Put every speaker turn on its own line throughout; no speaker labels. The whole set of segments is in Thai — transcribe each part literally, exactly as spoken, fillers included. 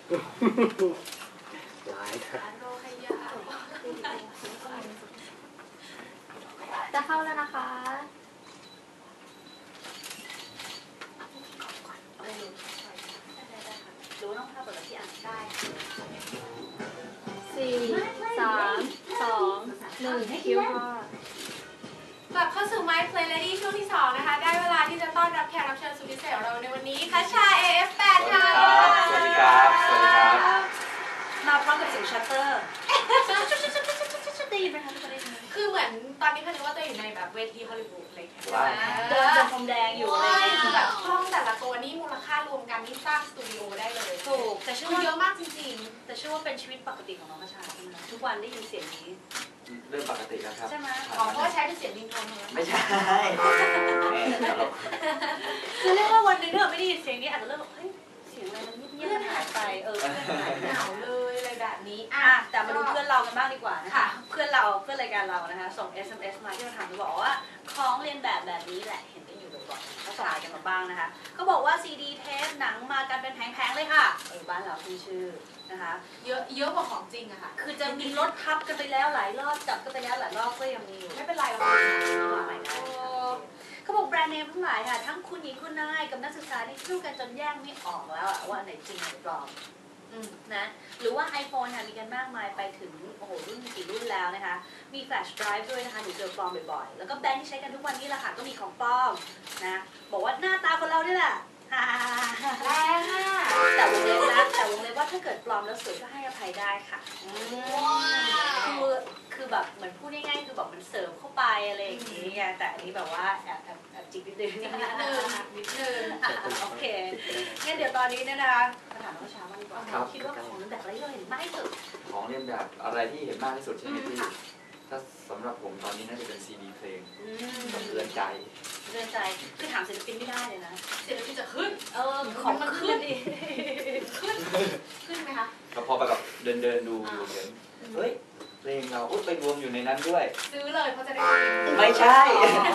ร้ายนะ
จะเข้าแล้วนะคะรู้ต้องภาพเปิดที่อ่านได้สี่สามสองหนึ่งคิวค่ะ
กลับเข้าสู่ My Play Lady ช่วงที่สองนะคะได้เวลาที่จะต้อนรับแขกรับเชิญสุดพิเศษของเราในวันนี้คัชชา เอ เอฟ แปด ค่ะ
สวัสดีครับสวัสดีครับ
มาพร้อมกับเสียงชัตเตอร์ได้ยินไหมคะทุกคนได้ยินไหม
คือเหมือนตอนนี้พันนึกว่าตัวอยู่ในแบบเวทีฮอลลีวูดอะไรอย่างเงี้ย
เดินบนพรมแดงอยู่อะไรอย่างเงี้ย
คือแบบห้องแต่ละตัวนี่มูลค่ารวมกันนี่สร้างสตูดิโอได้เลย
ถูกแต่เชื่อว่า
เยอะมากจริง
ๆแต่เชื่อว่าเป็นชีวิตปกติของน้องคัชชาใช่ไหมทุกวันได้ยินเสียงนี้
เรื่องปกติแล้วครับ
ใช่ไหม
อ๋อเพราะว่าใช้เป็นเสียงริงโทนเลย
ไม่ใช่
คือเรียกว่าวันหนึ่งถ้าเราไม่ได้ยินเสียงนี้อาจจะเริ่มแบบเฮ้ยเสียงอะไรมันเงียบๆมันหายไปเออ
เหงาเลยอะไรแบบนี้
อ่ะแต่มาดูเพื่อนเรากันบ้างดีกว่านะคะเพื่อนเราเพื่อนรายการเรานะคะส่ง เอส เอ็ม เอส มาที่มาถามเราบอกว่าของเรียนแบบแบบนี้แหละเห็นกันอยู่บ่อยๆก็ส่งมากันมาบ้างนะคะเขาบอกว่าซีดีเทปหนังมากันเป็นแผงๆเลยค่ะเออบ้านเราขึ้นชื่อนะคะ
เยอะเยอะกว่าของจริงอะค่ะ
คือจะมีรถทับกันไปแล้วหลายรอบจับกันไปแล้วหลายรอบก็ยังมีอยู่
ไม่เป็นไรหรอก
ใหม่ได้เขาบอกแบรนด์เนมทั้งหลายค่ะทั้งคุณหญิงคุณนายกับนักศึกษาที่สู้กันจนแยกไม่ออกแล้วว่าไหนจริงไหนปลอมนะหรือว่า iPhone ค่ะมีกันมากมายไปถึงโอ้โหรุ่นกี่รุ่นแล้วนะคะมีแฟลชไดรฟ์ด้วยนะคะหนูเจอปลอมบ่อยๆแล้วก็แบรนด์ที่ใช้กันทุกวันนี้แหละค่ะก็มีของปลอมนะบอกว่าหน้าตาคนเราเนี่ยแหละ
แรงอ่ะ
แต่วงเล็บนะแต่วงเล็บว่าถ้าเกิดปลอมแล้วสวยก็ให้อภัยได้ค่ะคือคือแบบเหมือนพูดง่ายๆคือแบบมันเสริมเข้าไปอะไรอย่างนี้ไงแต่อันนี้แบบว่าแอบแอบแอบจิกนิดนึงนิดนึงนิดนึงโอเคงั้นเดี๋ยวตอนนี้เนี่ยนะคะมาถามน้องช้าบ้างดีกว่าคิดว่าของเรียนแบบอะไรที่เราเห็นมากที่สุด
ของเรียนแบบอะไรที่เห็นมากที่สุดใช่ไหมพี่ถ้าสำหรับผมตอนนี้น่าจะเป็นซีดีเพลงสะเทือนใจ
เรื่องใจคือถามศิลปินไม่ได้เลยนะ
ศิลปินจะขึ้น
เออของมันขึ้นดิ
ขึ้นขึ้นไหมคะ
พอไปกับเดินเดินดูอยู่เห็นเฮ้ยเพลงเราอุ้ยไปรวมอยู่ในนั้นด้วย
ซื้อเลยเพราะจะได้
ไม่ใช่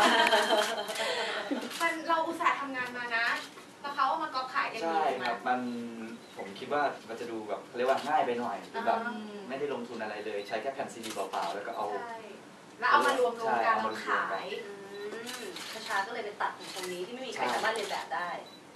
มันเราอุตส่าห์ทำงานมานะแล้วเขาเอามาก๊อปขายกัน
ใช่ครับมันผมคิดว่ามันจะดูแบบเรียกว่าง่ายไปหน่อยแบบไม่ได้ลงทุนอะไรเลยใช้แค่แผ่นซีดีเปล่าๆแล้วก็เอา
แล้วเอามารวมรวมกันแล้วขาย
คาชาก็เลยไปตัดของตรงนี้ที่ไม่มีใครสามารถเรียนแบบได้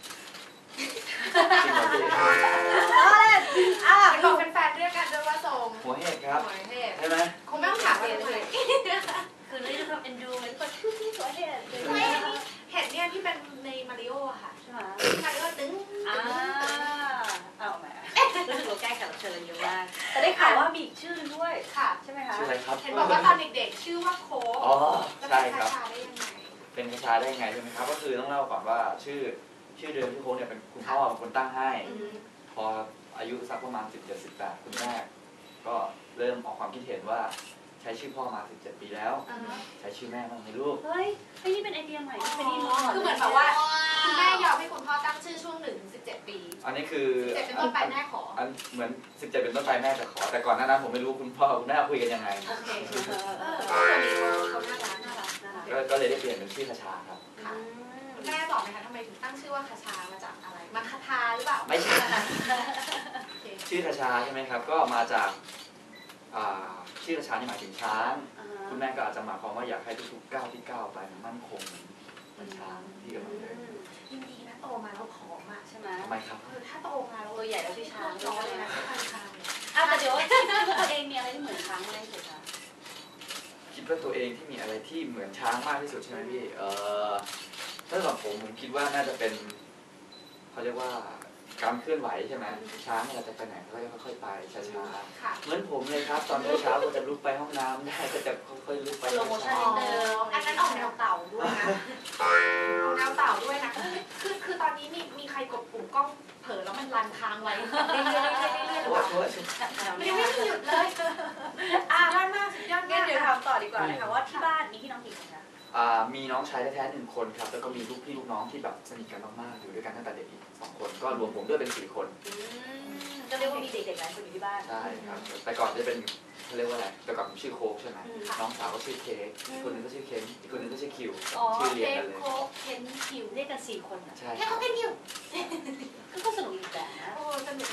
อ๋อเลยอ่ะบอกแฟนๆเรียกกันด้วยว่าส่ง
หัวเห็ดครับ
หัวเห็ด
ใช่ไหม
คงไม่ต้องถามเลย
คือเรื่องความเอ็นดูเหมือนคนชื่อที่หัวเห็ด
เห็ดเนี่ยที่เป็นในมาริโออะค่ะ
ใช่ไหม
มาริโอตึ้ง
อ่าเอาไหมรู้สึกว่าแก้แขกรับเชิญเยอะมากแต่ได้ข่าวว่ามีอีกชื่อนึงด้วย
ค่ะ
ใช่ไหมคะ
ชื่ออะไรครับ
เห็นบอกว่าตอนเด็กๆชื่อว่าโค้ก
อ๋อใช่ครับ
เป็น
คาชาได้ยังไงใช่ไหมครับก็คือต้องเล่าก่อนว่าชื่อชื่อเดิมที่โค้กเนี่ยเป็นคุณพ่อเป็นคนตั้งให้พออายุสักประมาณสิบเจ็ด สิบแปดคุณแม่ก็เริ่มออกความคิดเห็นว่าใช้ชื่อพ่อมาสิบเจ็ดปีแล้วใช้ชื่อแม่บ้างไหมลูก
เฮ้ยไอ้นี่เป็นไอเดียใหม่ที่เป็นนี่
คือเหมือนแบบว่าคุณแม่ยอมให้คุณพ่อตั้งชื่อช่วงหนึ่งถึงสิบเจ็ดปี
อันนี้คือ
สิบเจ็ดเป็นต้นไปแม่ขอ
อันเหมือนสิบเจ็ดเป็นต้นไปแม่จะขอแต่ก่อนหน้านั้นผมไม่รู้คุณพ่อคุณแม่คุยกันยังไง
โอเคเออตัวนี้เขาน่ารักน่ารักน่ารัก
ก็เลยได้เปลี่ยนเป็นชื่อคาชาครับ
แม่บอกไหมคะทำไมถึงตั้งชื่อว่าคาชามาจากอะไรมาคาทาหรือเปล่า
ไม่ใช่ชื่อคาชาใช่ไหมครับก็มาจากชื่อคาชานี่หมายถึงช้างคุณแม่ก็อาจจะหมายความว่าอยากให้ทุกๆก้าวที่ก้าวไปมั่นคงเหมือนช้างที่กำลังเดิน
ยินดีนะโตมาแล้วผอมอ่ะใช่ไหม
ทำไมครับ
ถ้าโตมาแล้ว
ตัวใหญ่แล้วพี่ช้าง
ร้อนเลยนะพี่ช้าง
อ่ะแต่เดี๋ยวคิดว่าตัวเองมีอะไรที่เหมือนช้างไหมเฉยๆ
คิดว่าตัวเองที่มีอะไรที่เหมือนช้างมากที่สุดใช่ไหมพี่เออถ้าสำหรับผมผมคิดว่าน่าจะเป็นเขาเรียกว่าการเคลื่อนไหวใช่ไหมช้างเราจะไปไหนก็ค่อยๆไปช้าๆเหมือนผมเลยครับตอนเช้าก็จะลุกไปห้องน้ำได้ก็จะค่อยๆลุกไป
ช้า
ๆอันนั้นออกแนวเต่าด้วยนะแนวเต่าด้วยนะคือคือตอนนี้มีมีใครกดปุ่มกล้องเผลอแล้วมันรันค้างไว้เรื่อยๆเรื่อยๆเรื่อยๆหรือเปล่ามันยังไม่หยุดเลยอ่ะยอดมากสุดยอด
งั้นเดี๋ยวถามต่อดีกว่านะคะว่าที่บ้านมีพี่น้องกี่คนคะ
มีน้องชายแท้ๆหนึ่งคนครับแล้วก็มีลูกพี่ลูกน้องที่แบบสนิทกันมากๆอยู่ด้วยกันตั้งแต่เด็กอีกสองคนก็รวมผมด้วยเป็นสี่คน
ก็เรียกว่ามีเด็กๆหลายคนอยู่ที่บ้าน
ใช่ครับแต่ก่อนจะเป็นเขาเรียกว่าอะไรแต่ก่อนผมชื่อโค้กใช่ไหมน้องสาวก็ชื่อเค้กอีกคนนึงก็ชื่อเคนอีกคนนึงก็ชื่อคิวชื่อเรียนกันเลย
โค้กเคนคิว
เรียกกันสี่คนอ่ะ
ใช่
แค่เขาเคนคิว
ก็สนุกอีกแบบนะ
โอ้สนุกดี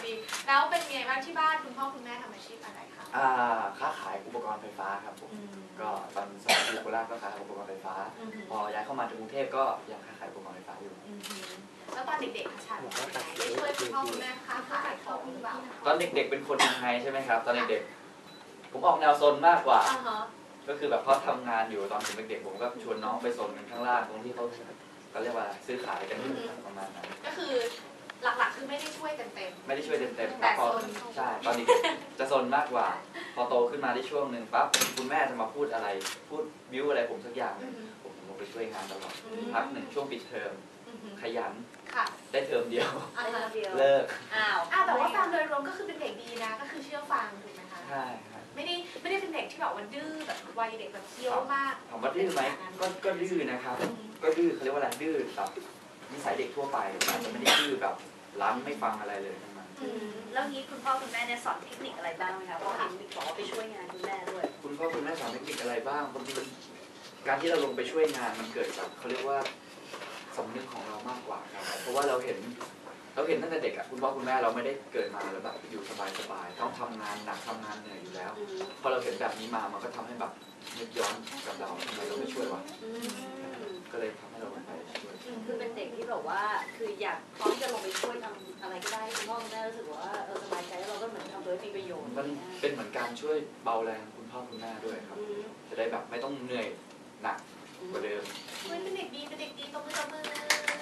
แล้วเป็นไงบ้างที่บ้านคุณพ่อคุณแม่ทำอาชีพอะไรคะ
อ่าค้าขายอุปกรณ์ไฟฟ้าครับผมก็ตอนสมัยอยู่โคราชก็ขายอุปกรณ์ไฟฟ้า พอย้ายเข้ามาถึงกรุงเทพก็ยังค้าขายอุปกรณ์ไฟฟ้าอยู่
แล้วตอนเด็กๆคะชาได้ช่วยคุณพ่อคุณแม่ค้าขายของหรือเปล่า
ตอนเด็กๆเป็นคนยังไงใช่ไหมครับ ตอนเด็กๆผมออกแนวซนมากกว่า
อ่าฮะ
ก็คือแบบเขาทำงานอยู่ตอนผมเด็กๆผมก็ชวนน้องไปซนกันข้างล่างตรงที่เขาเขาเรียกว่าซื้อขายกันอยู่ประมาณนั้น
ก็คือหลักๆคือไม่ได้ช่วยกันเต็ม
ไม่ได้ช่วยเต็มๆค
แต่
รับพอ
ซน
ใช่ตอนเด็กๆจะซนมากกว่า พอโตขึ้นมาได้ช่วงหนึ่งปั๊บคุณแม่จะมาพูดอะไร พูดบิ้วอะไรผมสักอย่างหนึ่งผมลงไปช่วยงานตลอดพักหนึ่งช่วงปิดเทอมขยัน
ค่ะ
ได้เทอมเดียว
อ่าฮะ
เดียว
เลิก
อ้าว
อ่าแต่ว่าฟังโดยรวมก็คือเป็นเด็กดีนะ ก็คือเชื่อฟังถูกไหมคะ
ใช่ครับ
ไม่ได้ไม่ได้เป็นเด็กที่แบบว่าดื้อแบบวัยเด็กแบบเคี้ยวมาก
ถามว่าดื้อไหมก็ก็ดื้อนะครับ ก็ดื้อเขาเรียกว่าอะไรดื้อแบบนิสัยเด็กทั่วไปอาจจะไม่ได้ดื้อแบบรั้นไม่ฟังอะไรเลยทั้งนั้น
อืมแล้วนี้คุณพ่อคุณแม่เนี่ยสอนเทคนิคอะไรบ้างไหมคะเพราะเห็นบอกว่าไปช่วยงานคุณแม่ด้วย
คุณพ่อคุณแม่สอนเทคนิคอะไรบ้างบางทีมันการที่เราลงไปช่วยงานมันเกิดจากเขาเรียกว่าสำนึกของเรามากกว่าครับเพราะว่าเราเห็นเราเห็นตั้งแต่เด็กอะคุณพ่อคุณแม่เราไม่ได้เกิดมาแล้วแบบอยู่สบายๆต้องทำงานหนักทำงานเหนื่อยอยู่แล้ว
อืม
พอเราเห็นแบบนี้มามันก็ทำให้แบบนึกย้อนกับเราทำไมเราไม่ช่วยวะ
อืม
ก็เลยทำให้เราลงไปช่วย
คือเป็นเด็กที่แบบว่าคืออยากพร้อมจะลงไปช่วยทำอะไรก็ได้คุณพ่อคุณแม่รู้สึกว่าเออสบายใจแล้วเราก็เหมือนทำโดยมีประโยชน์
มันเป็นเหมือนการช่วยเบาแรงคุณพ่อคุณแม่ด้วยครับ
อืม
จะได้แบบไม่ต้องเหนื่อยหนักกว่าเดิม
เฮ้ยเป็นเด็กดีเป็นเด็กดีตบมือตบมือ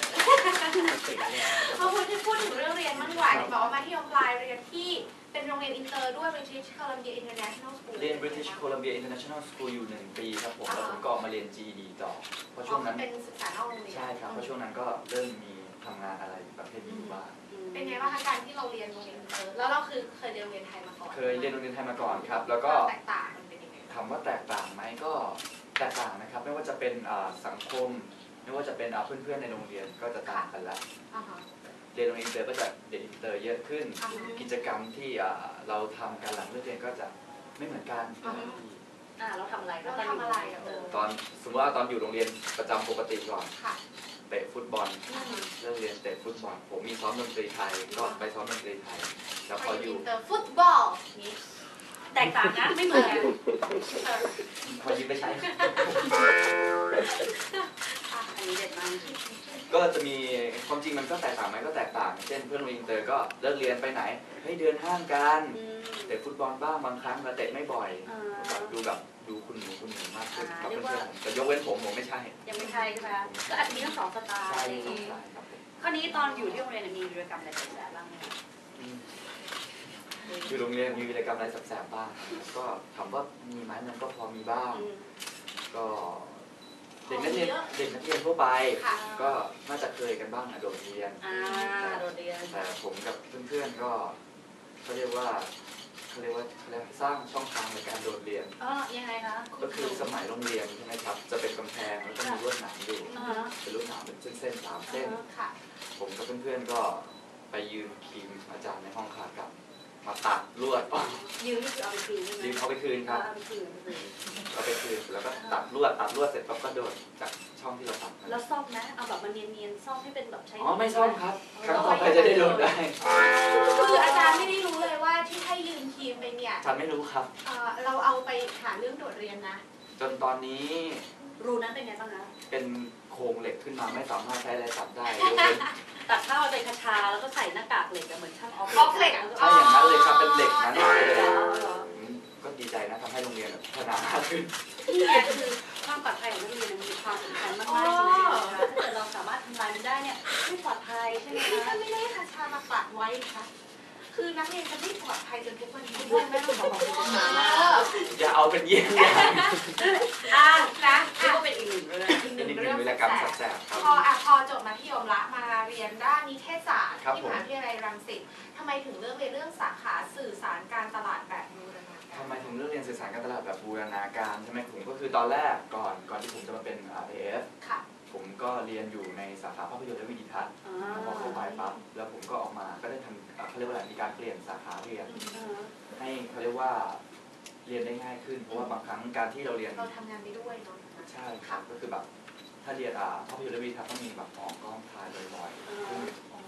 พอพูดถึงพูดถึงเรื่องเรียนมั่งดีกว่าเนี่ยบอกว่ามาที่ยมปลายเรียนที่เป็นโรงเรียนอินเตอร์ด้วย British Columbia International School
เรียน British Columbia International School อยู่หนึ่งปีครับผมแล้วผมก็ออกมาเรียน จี อี ดี ต่อเพราะ
อ๋
ช่
อ
วงนั้น
เป็นศึกษานอกโรงเรียน
ใช่ครับเพราะช่วงนั้นก็เริ่มมีทำงานอะไรประเภทนี้อยู่บ้าง
เป็นไงบ้างคะการที่เราเรียนโรงเรียนอินเตอร์แล้วเราคือเคยเรียนโรงเรียนไทยมาก่อน
เคยเรียนโรงเรียนไทยมาก่อนครับ แล้วก็
แตกต่างมันเป็นยังไง
ถามว่าแตกต่างไหมก็แตกต่างนะครับ ไม่ว่าจะเป็นอ่าสังคม ไม่ว่าจะเป็นอ่าเพื่อนๆในโรงเรียนก็จะต่างกันละ
อ่าฮะ
เรียนโรงเรียนอินเตอร์ก็จะเด็กอินเตอร์เยอะขึ้น
อ่าฮะ
กิจกรรมที่อ่าเราทำกันหลังเลิกเรียนก็จะไม่เหมือนกัน
อ่าฮะ
อ่าเราทำอะไร
เราทำอะไรอะเออ
ตอนสมมติว่าตอนอยู่โรงเรียนประจำปกติก่อน
ค่ะ
เตะฟุตบอลเลิกเรียนเตะฟุตบอล ผมมีซ้อมดนตรีไทยก็ไปซ้อมดนตรีไทย แล้วพออยู่
อินเตอร์ฟุตบอลนี่
แตกต่างนะไม่เหมือนกัน
พอยิ้มไม่ใช่
อันนี้เด็ดมาก
ก็จะมีความจริงมันก็แตกต่างไหมก็แตกต่าง เช่นเพื่อนโรงเรียนอินเตอร์ก็เลิกเรียนไปไหนเฮ้ยเดินห้างกัน
อืม
เตะฟุตบอลบ้างบางครั้งแต่เตะไม่บ่อย
อ่า
แบบดูแบบดูคุณหนูคุณหนูมากขึ้น
อ่า
กับ
เรียก
เพื่
ว่า
อนๆผมแต่ยกเว้นผมผมไม่ใช่
ยังไม่ใช่ใช่ไหมคะก็อาจจะมีทั้งสองสไตล์
ใช่
อะไรอย่าง
สอง
งี้
สายครับผม
คราวนี้ตอนอยู่ที่โรงเรียนมีกิจกรรมอะไรแปลกๆบ้างไหมคะ
อืมอยู่โรงเรียนมีกิจกรรมอะไรแสบๆบ้าง ก็ถามว่ามีไหมมันก็พอมีบ้าง
อืม
ก็เด็กนักเรียนเด็กนักเรียนทั่วไป
ค่ะ
ก็น่าจะเคยกันบ้างนะโดดเรียน
อ่าโดดเรียน
แต่ผมกับเพื่อนๆก็เขาเรียกว่าเขาเรียกว่าเขาเรียกว่าสร้างช่องทางในการโดดเรียน
อ๋อยังไงคะ
ก็คือสมัยโรงเรียนใช่ไหมครับ จะเป็นกำแพงแล้วก็มีลวดหนามอยู่
อ่าฮะ
เป็นลวดหนามเป็นเส้นๆสามเส้น
ค่ะ
ผมกับเพื่อนๆก็ไปยืมครีมอาจารย์ในห้องคากลับ มาตัดลวดออก
ยืมนี่คือเอาไปคืนใช่ไหม
ยืมเอาไปคืนครับ
เอาไปคืนเอาไปคืน
เอาไปคืนแล้วก็ตัดลวดตัดลวดเสร็จปั๊บก็โดดจากช่องที่เราตัดมา
แล้วซ่อมนะเอาแบบมันเนียนๆซ่อมให้เป็นแบบใช้
อ๋อไม่ซ่อมครับครั้งต่อไปจะได้โดดได้
คืออาจารย์ไม่ได้รู้เลยว่าที่ให้ยืมครีมไปเนี่ย
อาจารย์ไม่รู้ครับ
เอ่อเราเอาไปหาเรื่องโดดเรียนนะ
จนตอนนี้
รูนั้นเป็นไงบ้างคะ
เป็นโครงเหล็กขึ้นมาไม่สามารถใช้อะไรตัดได้ยกเว้น
ตัดข้าวเป็นคาชาแล้วก็ใส่หน้ากากเหล็กอะเหมือนช่างออฟ
ออฟเหล็ก
ใช่อย่างนั้นเลยครับเป็นเหล็กนั้นเลย
อ๋อเหรอ
อืมก็ดีใจนะทำให้โรงเรียนพัฒนามากขึ้น
นี่ไงคือความปลอดภัยของนักเรียนมีความสำคัญมากๆจริงๆนะคะถ้าเกิดเราสามารถทำลายมันได้เนี่ยไม่ปลอดภัยใช่ไหม
ที่
คะ
ท่านไม่ได้คาชามาปัดไว้ค่ะ คือนักเรียนจะไม่ปลอดภัยจนทุกวันนี้
เพื่อนไม่ต้องบอกความจริง
เอ
มา
อ
อย่าเอาเป็นเยี่ยงอย่าง
อ่ะนะ
เรียก
อ่ะ
ว่าเป็นอีกหนึ่งเรื่อง
อีกห
เป็
นึ่
น
ง
อีกห
เรื่
นึ่
อง ง
วิร
แส
กรรม
บ
แสบๆครับ
พออ่ะพอจบมัธยมละมาเรียนด้านนิเทศศาสตร์
ครับ
ที่
ผม
มหาวิทยาลัยรังสิตทำไมถึงเลือกเรียนเรื่องสาขาสื่อสารการตลาดแบบบูรณาการ
ทำไมถึงเลือกเรียนสื่อสารการตลาดแบบบูรณาการใช่ไหมผมก็คือตอนแรกก่อนก่อนที่ผมจะมาเป็น อาร์ เอ เอฟ
ค่ะ
ผมก็เรียนอยู่ในสาขาภาพยนตร์และวิดีทัศน์
อ่
พอเข้าไปปั๊บแล้วผมก็ออกมาก็ได้ทำเอ่อเขาเรียกว่าอะไรมีการเปลี่ยนสาขาเรียน
า
ให้เขาเรียกว่าเรียนได้ง่ายขึ้น เพราะว่าบางครั้งการที่เราเรียน
เราทำงานไปด้วยเนาะ
ใช่ครับก็คือแบบถ้าเรียนอ่าภาพยนตร์และวิดีทัศน์ต้องมีแบบออกกล้องถ่ายบ่อยๆซึ่ง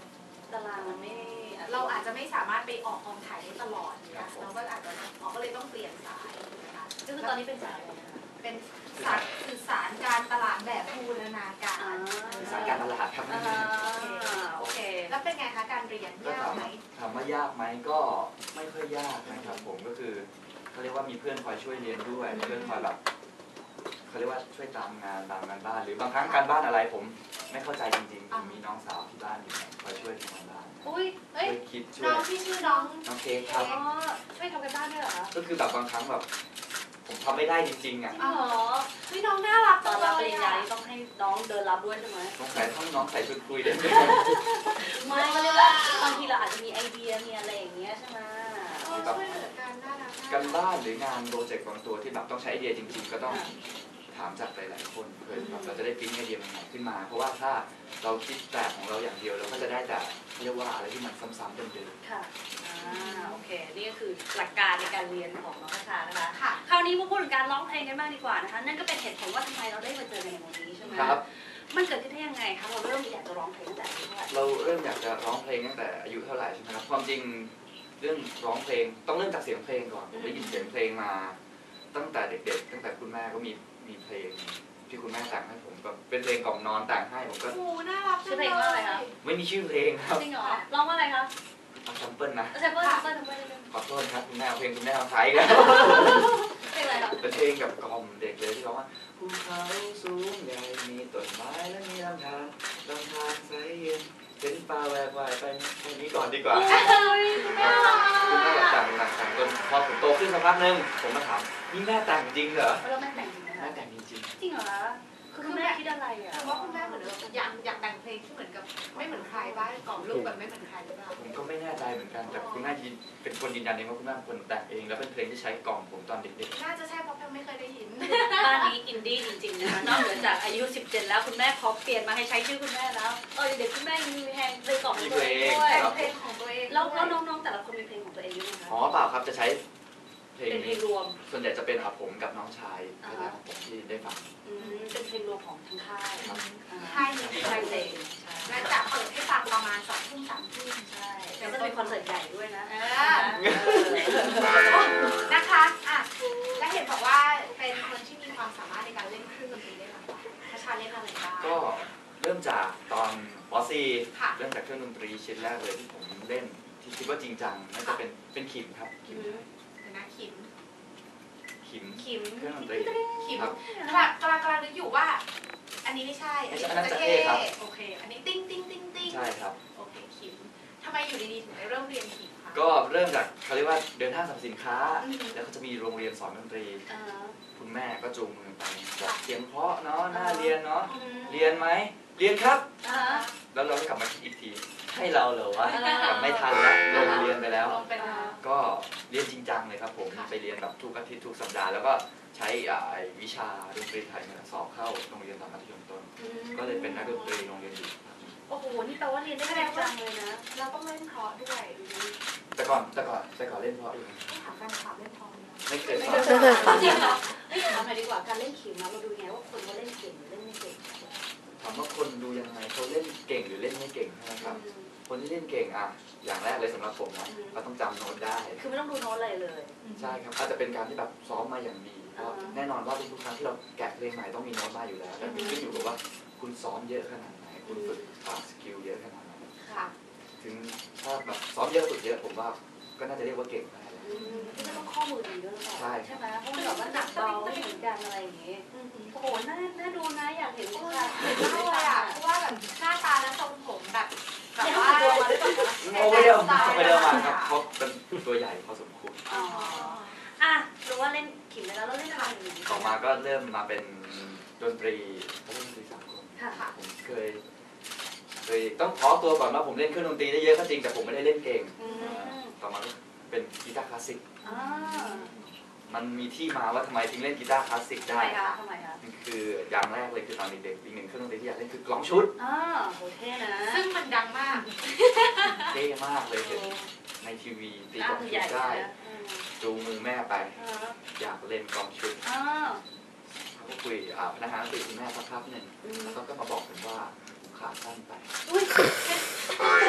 ตารางมันไม่
เราอาจจะไม่สามารถไปออกกองถ่ายได้ตลอดเนี่ยเราก็อาจจะออกก็เลยต้องเปลี่ยนสายนะคะ
ก็คือตอนนี้เป็นสายอะไรนะคะ
เป็นสายสื่อสารการตลาดแบบบูรณาการ
สายการตลาดครับ
อ่าโอเค
แล้วเป็นไงคะการเรียน
ก็
ยาก
ถาม
ไหม
ถามว่ายากไหมก็ไม่ค่อยยากนะครับผมก็คือเขาเรียกว่ามีเพื่อนคอยช่วยเรียนด้วยเพื่อนคอยแบบเขาเรียกว่าช่วยตามงานตามงานบ้านหรือบางครั้งการบ้านอะไรผมไม่เข้าใจจริงๆผมมีน้องสาวที่บ้านอยู่คอยช่วยทำงานบ้าน
อุ้ยเอ้ย
ช่วยคิดช่
น้
ว
อย งที่ชื่อน้อง
น้องเค้กครับ
อ๋อช่วยทำกันบ้านด้วยเหรอคะ
ก็คือแบบบางครั้งแบบผมทำไม่ได้จริงๆอ่ะ
อ๋อ
เฮ้ยน้องน่ารัก
ต
จั
อง น
เล
รับป
ย
ริญญา
อ่ะ
นี่ต้องให้น้องเดินรับด้วยใช่ไหม
สงสัยต้องน้องใส่ชุดคุยได้ไหม
ไม่ก็เรียกว่าบางทีเราอาจจะมีไอเดียมีอะไรอย่างเงี้ยใช่ไหม
เออช่วยเหลือกันน่ารัก
การบ้านหรืองานโปรเจกต์บางตัวที่แบบต้องใช้ไอเดียจริงๆ ก็ต้องถามจากหลายๆคนเพื่อแบบเราจะได้ปิ๊งไอเดียใหม่ๆขึ้นมา เพราะว่าถ้าเราคิดแต่ของเราอย่างเดียวเราก็จะได้แต่เรียกว่าอะไรที่มันซ้ำๆเดิม
ค่ะอ่าโอเค นี่ก็คือหลักการในการเรียนของน้องพัชชานะคะ
ค่ะ
คราวนี้มาพูดถึงการร้องเพลงกันบ้างดีกว่านะคะ นั่นก็เป็นเหตุผลว่าทำไมเราได้มาเจอกันในวันนี้ใช่ไหม
ๆครับ
มันเกิดขึ้นได้ยังไงคะ เราเริ่มอยากจะร้องเพลงตั้งแต่อายุเท่าไหร่
เราเริ่มอยากจะร้องเพลงตั้งแต่อายุเท่าไหร่ใช่ไหมครับความจริงเรื่องร้องเพลงต้องเริ่มจากเสียงเพลงก่อนผมได้ยินเสียงเพลงมา ตั้งแต่เด็กๆ ตั้งแต่คุณแม่ก็มีมีเพลงที่คุณแม่แต่งให้ผมก็เป็นเพลงกล่อมนอนแต่งให้ผมก็
โอ้โหน่ารัก
ชื่อเพลงว่าอะไรคะ
ไม่มีชื่อเพลงครับ
จริงเหรอร้องว่าอะไรคะ
เอาซัมเปิลนะ
แซมเปิลแซมเปิลแซมเปิลนิดนึง
ขอโทษครับคุณแม่เอาเพลงคุณแม่เอาใช้กัน
เพลงอะไรคะ
เป็นเพลงกับกล่อมเด็กเลยที่ร้องว่าภูเขาสูงใหญ่มีต้นไม้และมีลำธารลำธารใสเย็นเห็นปลาแหวกว่ายไปแค่นี้ก่อนดีกว่า
น่ารัก
คุณแม่แบบแต่งแต่งแต่งจนพอผมโตขึ้นสักพักนึงผมมาถามนี่แม่แต่งจริงเหรอ
แล้วแม่แต่งจริงไหม
แม่
คะ
แต่งจริง
จริงเหรอคะคือคุณแม่คิดอะไรอ่ะ
แต่ว่าคุณแม่เหมือนอยากอยากแต่งเพลงที่เหมือนกับไม่เหมือนใครบ้างกล่อมลูกแบบไม่เหมือนใครหรือเปล่า
ผมก็ไม่แน่ใจเหมือนกันแต่คุณแม่เป็นคนยืนยันเองว่าคุณแม่เป็นคนแต่งเองแล้วเป็นเพลงที่ใช้กล่อมผมตอนเด็ก
น่าจะใช่เพราะแพมไม่เคยได้ยิน
บ้านนี้อินดี้จริงๆนะคะนอกเหนือจากอายุสิบเจ็ดแล้วคุณแม่ขอเปลี่ยนมาให้ใช้ชื่อคุณแม่แล้วเออเด็กคุณแม่ยังมีเพลงเพลงของตัวเองด้วย
แต่งเพลงของตัวเอง
แล้วแล้วน้องๆแต่ละคนมีเพลงของตัวเองด้วยไหม
ๆ
คะ
อ๋อเปล่าครับจะใช้เพลง
เป็นเพล
นี้
งรวม
ส่วนใหญ่จะเป็นอาผมกับน้องชายคณะของผมที่ได้ฟัง
อืมเป็นเพลงรวมของทั้งค่าย
ครับ
ค่ายนี้
ค่ายเพลง
และจะเปิดให้ฟังประมาณสองทุ่มสามทุ่ม
ใช่แล้วก็จะมีคอนเสิร์ตใหญ่ด้วยนะ
เอ
เอ
อ
อ
นะคะอ่ะและเห็นบอกว่าเป็นคนที่มีความสามารถในการเล่นเครื่องดนตรีได้หลากหลายพระชาเล่นอะไรบ้าง
ก็เริ่มจากตอนป .สี่
ค่ะ
เริ่มจากเครื่องดนตรีชิ้นแรกเลยที่ผมเล่นที่คิดว่าจริงจังน่าจะเป็นเป็นขิมครับขิม
เดี๋ยวนะขิม
ขิม
ขิม
เครื่องดนตรี
ขิม
ครับ
กำลังกำลังกำลังนึกอยู่ว่า อันนี้ไม่ใช่ อันนี้
ไม่ใช่อันนั้น
จะ
จะ
เท่
เท่ครับ
โอเค อันนี้ติ้งติ้งติ้งติ้ง
ใช่ครับ
โอเคขิมทำไมอยู่ดีๆถึงได้เริ่มเรียนขิมคะ
ก็เริ่มจากเขาเรียกว่าเดินห้างสรรพสินค้า
อืม
แล้วก็จะมีโรงเรียนสอนดนตรี
อ่า
คุณแม่ก็จูงมือไปบอกเสียงเพราะเนาะน่าเรียนเนาะ
อืม
เรียนไหมเรียนครับ
อ่า
แล้วเราก็กลับมาคิดอีกทีให้เราเหรอวะ
อ่า
กลับไม่ทันแล้วลงเรียนไปแล้ว
ลงไปแล้ว
ก็เรียนจริงจังเลยครับผม
ค่ะ
ไปเรียนแบบทุกอาทิตย์ทุกสัปดาห์แล้วก็ใช้อ่าไอ้วิชาดนตรีไทยเนี่ยสอบเข้าโรงเรียนตอนมัธยมต้น
อืม
ก็เลยเป็นนักดนตรีโรงเรียนอยู่ครับ
โอ้โห นี่แปลว่าเรียนได้จริงจังเลยนะ
เราต้องเล่นเพราะด้วย
แต่ก่อนแต่ก่อนแต่ก่อนเล่นเพราะอยู่
ต้องถามแฟนคลับเล่นเพราะไหม
ไม่เคย
ไม่
ส
เค
อย น
สอนจริงเหรอไม่ถามหน่อยดีกว่า การเล่นขิมนะเราดูไงว่าคนเขาเล่นเก่งหรือเล่นไม่เก่ง
ถามว่าคนดูยังไงเขาเล่นเก่งหรือเล่นไม่เก่งนะครับ คนที่เล่นเก่งอ่ะอย่างแรกเลยสำหรับผมนะเขาต้องจำโน้ตได้
คือไม่ต้องดูโน้ตอะไรเลย
ใช่ครับอาจจะเป็นการที่แบบซ้อมมาอย่างดีเพราะแน่นอนว่าทุกๆครั้งที่เราแกะเพลงใหม่ต้องมีโน้ตมาอยู่แล้วแต่ขึ้นอยู่กับว่าคุณซ้อมเยอะขนาดไหนคุณฝึกปรับสกิลเยอะขนาดไหน
ค่ะ
ถึงถ้าแบบซ้อมเยอะฝึกเยอะผมว่าก็น่าจะเรียกว่าเก่งได้แล้ว
อืมที่จะต้องข้อมือดีด้วยหรือเปล่า
ใช่
ใช่ไหมเพราะมันแบบว่าหนักเบาไม่เหมือนกันอะไรอย่างงี้ โอ้โห น่า น่าดูนะ อยากเห็น
เอ
ค่ะ
อเห็นมากเลยอ่ะ เพราะว่าแบบหน้าตาและทรงผมแบบแบบ
เนี่ย
ว่า
เขาตัวมาด้วยป่ะคะ
โอ้ไม่เดิมไม่เดิมมาครับเขาเป็นตัวใหญ่พอสมควร
อ๋อ อ่ะรู้ว่าเล่นขิมไปแล้วแล้วเล่นอะไรอีก
ต่อมาก็เริ่มมาเป็นดนตรีเขาเล่นดนตรีสากล
ค่ะ
ผมเคยเคยต้องขอตัวก่อนว่าผมเล่นเครื่องดนตรีได้เยอะก็จริงแต่ผมไม่ได้เล่นเก่ง
อืม
ต่อมาก็เป็นกีตาร์คลาสสิก
อ่า
มันมีที่มาว่าทำไมถึงเล่นกีตาร์คลาสสิก
ทำ
ได้
ไมคะทำไมคะ
มันคืออย่างแรกเลยคือตอนเด็กๆอีกหนึ่งเครื่องดนตรีที่อยากเล่นคือกลองชุด
อ่าโหเท่นะ
ซึ่งมันดังมาก
เท่มากเลยเห็นในทีวีตี
อ่าก
ลอง
คือ
ชุ
ใหญ่
ดได้
นะอืม
จูงมือแม่ไป
อ่า
อยากเล่นกลองชุด
อ่า
เขาก็คุยอ่าพนักงานคุยคุณแม่สักพักหนึ่ง
อืม
แล้วเขาก็มาบอกผมว่าขาสั้นไป
อุ้ยแรง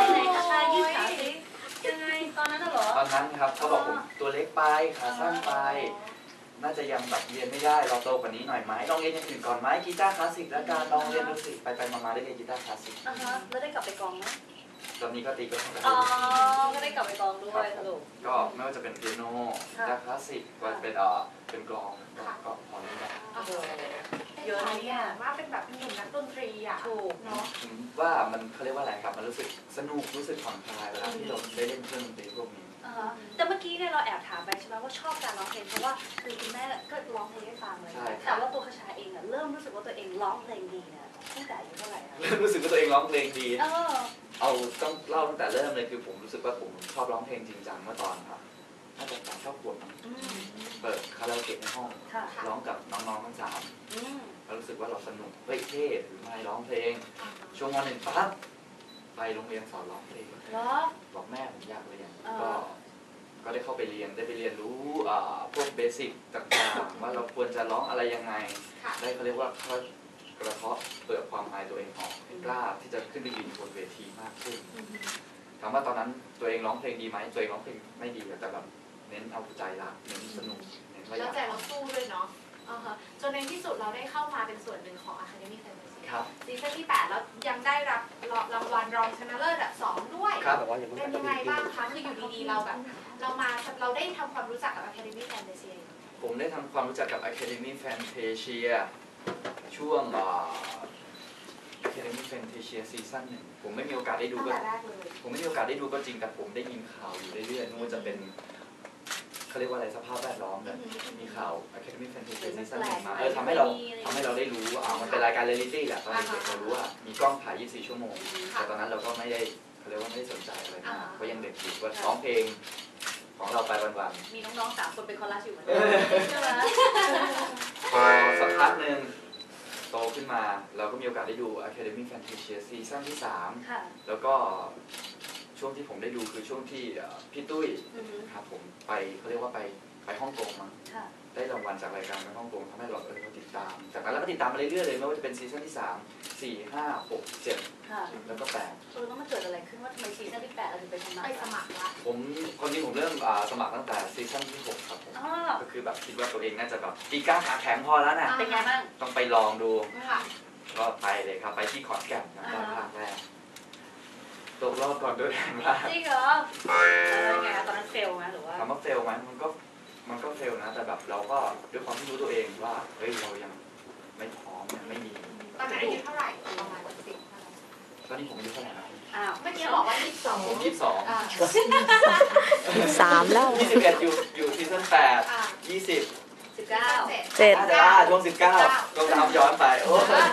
ไหนคะตายืดขาสิยังไงตอนนั้นน่ะเหรอ
ตอนนั้นครับเขาบอกผมตัวเล็กไปขาสั้นไป น่าจะยังแบบเรียนไม่ได้เราโตกว่านี้หน่อยไหมลองเรียนอย่างอื่นก่อนไหมกีตาร์คลาสสิกแล้วกันลองเรียนดูสิไปไปมาๆได้เรียนกีตาร์คลาสสิก
อ่าฮะแล้วได้กลับไปกองไหม
ตอนนี้ก็ตีก็ทำได้
อ๋อก็ได้กลับไปกองด้วยสรุป
ก็ไม่ว่าจะเป็นเปียโนกีตาร์คลาสสิกก็เป็นเอ่อเป็นกลองก็ก็พอเล่นได้
โอ้โห
เยอะนะเนี่ยว่าเป็นแบบหนุ่มนักดนตรีอ่ะ
ถูก
เนาะ
ผมว่ามันเขาเรียกว่าอะไรครับมันรู้สึกสนุกรู้สึกผ่อนคลายเวลาที่เราได้เล่นเครื่องดนตรีพวกนี้
อ่าฮะแต่เมื่อกี้เนี่ยเราแอบถามไปใช่ไหมว่าชอบการร้องเพลงเพราะว่าคือคุณแม่ก็ร้องเพลงให้ฟังเลย
ใช่
แต่ว่าตัวคชาเองอะเริ่มรู้สึกว่าตัวเองร้องเพลงดีเนี่ยตั้งแต่อายุเท่าไหร่อะ
เริ่มรู้สึกว่าตัวเองร้องเพลงดี
เออ
เอาต้องเล่าตั้งแต่เริ่มเลยคือผมรู้สึกว่าผมชอบร้องเพลงจริงจังเมื่อตอนครับน่าจะตอนชอบขวบมั้ง
อืม
เปิดคาราโอเกะในห้อง
ค่ะ
ร้องกับน้องๆทั้งสาม
อืม
แล้วรู้สึกว่าเราสนุกเฮ้ยเท่หรือไม่ร้องเพลง ช่วงวันหนึ่งปั๊บไปโรงเรียนสอนร้องเพลง
เหรอ
บอกแม่ผมอยากเรียน
อ่า
ก็ก็ได้เข้าไปเรียนได้ไปเรียนรู้อ่าพวกเบสิกต่างๆว่าเราควรจะร้องอะไรยังไง
ค่ะ
ได้เขาเรียกว่าเขากระเทาะเปลือกความอายตัวเองออกให้กล้าที่จะขึ้นไปยืนบนเวทีมากขึ้น
อืม
ถามว่าตอนนั้นตัวเองร้องเพลงดีไหมตัวเองร้องเพลงไม่ดีแต่แบบเน้นเอาใจรักเน้นสนุกเน้นว่าอ
แล้ว
ยาก
ใจเราสู้ด้วยเนาะอ่าฮะจนในที่สุดเราได้เข้ามาเป็นส่วนหนึ่งของ Academy Fantasy
ครับ
ซีซั่นที่แปดแล้วยังได้รับรางวัลรองชนะเลิศอันดับสองด้วย
ครับ
เป็นยังไงบ้างคะคืออยู่ดีๆเราแบบ เรามาเราได้ทำความรู้จักกับ Academy Fantasy
ผมได้ทำความรู้จักกับ Academy Fantasia ช่วงอ่า Academy Fantasia ซีซั่นหนึ่งผมไม่มีโอกาสได้ดู
ตั้ง
ก็
แต่แรกเลย
ผมไม่มีโอกาสได้ดูก็จริงแต่ผมได้ยินข่าวอยู่เรื่อยๆไม่ว่าจะเป็นเขาเรียกว่าอะไรสภาพแวดล้อมเนี่ยมีข่าว Academy Fantasia ซีซั่นหนึ่งมาเออทำให้เราทำให้เราได้รู้ว่าอ่ามันเป็นรายการเรียลลิตี้แหละตอนเด็กๆเรารู้ว่ามีกล้องถ่ายยี่สิบสี่ชั่วโมง แต่ตอนนั้นเราก็ไม่ได้เขาเรียกว่าไม่ได้สนใจอะไรมากเพราะยังเด็กอยู่ก็ร้องเพลงของเราไปวันๆ
มีน้องๆสามคนเป็นคอรัสอยู่เหมือนกันใช่ไหม
พอสักพักหนึ่งโตขึ้นมาเราก็มีโอกาสได้ดู Academy Fantasia ซีซั่นที่สาม
ค่ะ
แล้วก็ช่วงที่ผมได้ดูคือช่วงที่เอ่อพี่ตุ้ย
อือฮึ
ครับผมไปเขาเรียกว่าไปไปฮ่องกงมั้ง
ค่ะ
ได้รางวัลจากรายการไปฮ่องกงทำให้เราเออเราติดตาม จากนั้นเราก็ติดตามมาเรื่อยๆเลยไม่ว่าจะเป็นซีซั่นที่สาม สี่ ห้า หก เจ็ด
ค่ะ
แล้วก็แปด
เออแล้วมันเกิดอะไรขึ้นว่าทำไมซีซั่นที่แปดเราถึงไปทำงาน
ไปสมัครละ
ผมคนที่ผมเริ่มอ่าสมัครตั้งแต่ซีซั่นที่หกครับผม
อ๋อ
ก็คือแบบคิดว่าตัวเองน่าจะแบบปีกล้าขาแข็งพอแล้วนะ
เป็นไงบ้าง
ต้องไปลองดู
ค่ะ
ก็ไปเลยครับ ไปที่ขอนแก่นนะตอน
อ่า
ภาคแรกตกรอบก่อนด้วยแรงมาก
จริงเหรอแล้วไงตอนนั้นเฟลไหมหรือว่า
ถามว่าเฟลไหมมันก็มันก็เฟลนะ แต่แบบเราก็ด้วยความที่รู้ตัวเองว่าเฮ้ยเรายังไม่พร้อมยังไม่มี
ตอนนั้นอายุเท่าไหร่ประมาณสิบ
ตอนนี้ผมอายุเท่าไหร่นะ
อ้าว
เมื่อกี้บอกว่ายี่สิบสอง
ผมยี่สิบสอง
อ่า
สามแล้ว
ยี่สิบเอ็ดอยู่อยู่ซีซั่นแปด
อ่า
ยี่สิบ
สิบเก้า
เจ็ด
เจ็ด
น่าจะอ่าช่วงสิบเก้าก็ตามย้อนไปโอ้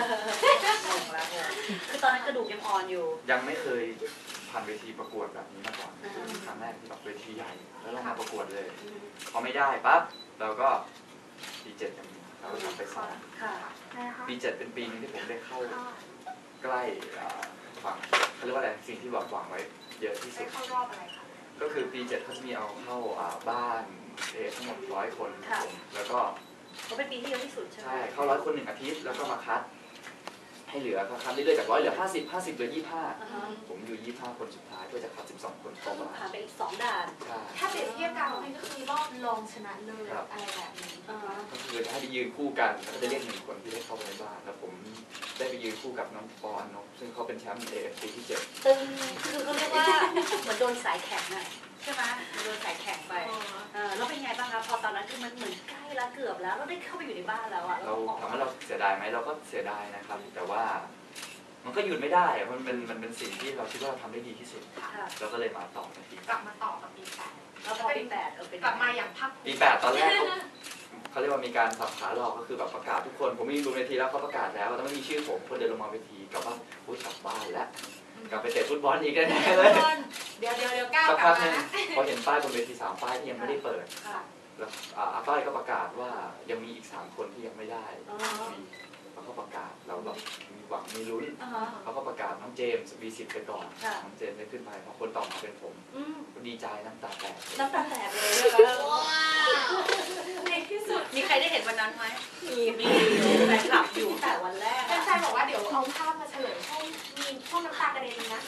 คือตอนนั้นกระดูกยังอ่อนอยู่
ยังไม่เคยผ่านเวทีประกวดแบบนี้มาก่อน
อ่า
ครั้งแรกที่แบบเวทีใหญ่แล้วเรามาประกวดเลย พอไม่ได้ปั๊บเราก็ปีเจ็ดยังมีเราก็ทำไปสอง
ค่ะ
ปีเจ็ดเป็นปีนึงที่ผมได้เข้าใกล้อ่าฝังเขาเรียกว่าอะไรสิ่งที่แบบหวังไว้เยอะที่สุ
ได้
ด
เข้ารอบอะไรคะ
ก็คือปีเจ็ดเขาจะมีเอาเข้าอ่าบ้านเอทั้งหมดร้อยคนครับผมแล้วก็
เขาเป็นปีที่เยอะที่สุดใช่ไหม
ใช่เข้าร้อยคนหนึ่งอาทิตย์แล้วก็มาคัด ให้เหลือคัดเรื่อยๆจากร้อยเหลือห้าสิบห้าสิบเหลือยี่ห้า
อ่าฮะ
ผมอยู่ยี่ห้าคนสุดท้ายเพื่อจะคัดสิบสองคน
ก็
เข้า
ต้อง
มา
ผ่านไปอีกสองด่าน
ใช่
ถ้าเปรียบเทียบกันมันก็คือรอบรองชนะเลิศอะไรแบบนี้
อ่าฮะ
ก็คือให้ไปยืนคู่กันแล้วก็จะเรียกหนึ่งคนที่ได้เข้าไปในบ้านแล้วผมได้ไปยืนคู่กับน้องปออนนกซึ่งเขาเป็นแชมป์ เอ เอฟ ซี ที่เจ็ด
ตึงคือเขาเรียกว่าเหมือนโดนสายแข็งอะใช่ไหมเหมือนโดนสายแข็งไปเออแล้วเป็นไงบ้างคะพอตอนนั้นคือมันเหมือนใกล้แล้วเกือบแล้วเราได้เข้าไปอยู่ในบ้านแล้วอะ
เราถามว่าเราเสียดายไหมเราก็เสียดายนะครับ แต่ว่ามันก็หยุดไม่ได้อะมันเป็นมันเป็นสิ่งที่เราคิดว่าเราทำได้ดีที่สุด
ค่ะ
เราก็เลยมาต่อในปี
กลับมาต่อกับปีแปด
แล้วพอปีแปดเออเป็น
กลับมาอย่างภาคภู
ปี
มิ
แปดตอนแรกเขาเขาเรียกว่ามีการสับขาหลอกก็คือแบบประกาศทุกคนผมมีดูเวทีแล้วเขาประกาศแล้วแต่ไม่มีชื่อผมคนเดินลงมาเวทีกลับว่าอุ้ยกลับบ้านแล้วกลับไปเตะฟุตบอลอีกแน่ๆเลย
เดี๋ยวเดี๋ยวเดี๋ยวก้าว
สัก
กลั
พั
บ
กห
มา
นึง
นะ
พอเห็นป้ายบนเวทีสามป้ายที่ยังไม่ได้เปิด
ค่ะ
แล้วอ่าอาต้อยก็ประกาศว่ายังมีอีกสามคนที่ยังไม่ได้
อ๋อ
มีเขาก็ประกาศเราแบบมีหวังมีลุ้น
อ่าฮะ
เขาก็ประกาศน้องเจมส์วีสิบไปก่อน
ค่ะ
น้องเจมส์ได้ขึ้นไปพอคนต่อมาเป็นผม
อืม
ก็ดีใจน้ำตาแตก
น้ำตาแตกเลยนะคะ
ในที่สุด
มีใครได้เห็นวันนั้นไหมมีมีแฟนคลับอยู่ตั้งแต่วันแรกอะ
แฟนๆบอกว่าเดี๋ยวเอาภาพมาเฉลยให้มีมีพวกน้ำตากระเด็นนะ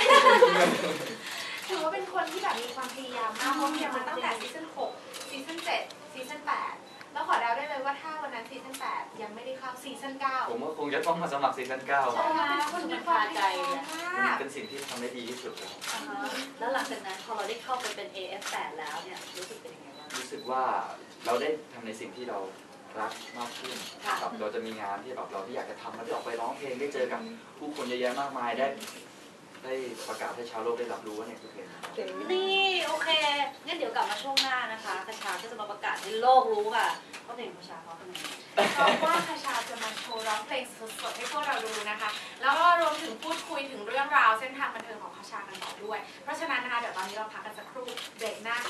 ถือว่าเป็นคนที่แบบมีความพยายามมากเพราะพยายามมาตั้งแต่ซีซั่นหกซีซั่นเจ็ดซีซั่นแปดแล้วขอเดาได้เลยว่าถ้าวันนั้นซีซั่นแปดยังไม่ได้เข้าซีซั่นเก้า
ผมว่าคงจะต้องมาสมัครซีซั่นเก้า
ใช่ไหมคนมันคาใจเลย
มันเป็นสิ่งที่ทำได้ดีที่สุดแล้ว
อ่าฮะแล้วหลังจากนั้นพอเราได้เข้าไปเป็น เอ เอฟ แปด แล้วเนี่ยรู้สึกเป็นยังไงบ้าง
รู้สึกว่าเราได้ทำในสิ่งที่เรารักมากขึ้น
ค่ะ
ครับเราจะมีงานที่แบบเราที่อยากจะทำเราได้ออกไปร้องเพลงได้เจอกับผู้คนเยอะแยะมากมายได้ได้ประกาศให้ชาวโลกได้รับรู้ว่าเนี่ยคือเพลงของเรา
นี่โอเคงั้นเดี๋ยวกลับมาช่วงหน้านะคะคชาก็จะมาประกาศให้โลกรู้ค่ะว่าเพลงของคชาเขาเป็นยังไง
เพราะว่าคาชาจะมาโชว์ร้องเพลงสดๆให้พวกเราดูนะคะ แล้วก็รวมถึงพูดคุยถึงเรื่องราวเส้นทางบันเทิงของคาชากันต่อด้วย เพราะฉะนั้นนะคะเดี๋ยวตอนนี้เราพักกันสักครู่เบรกหน้า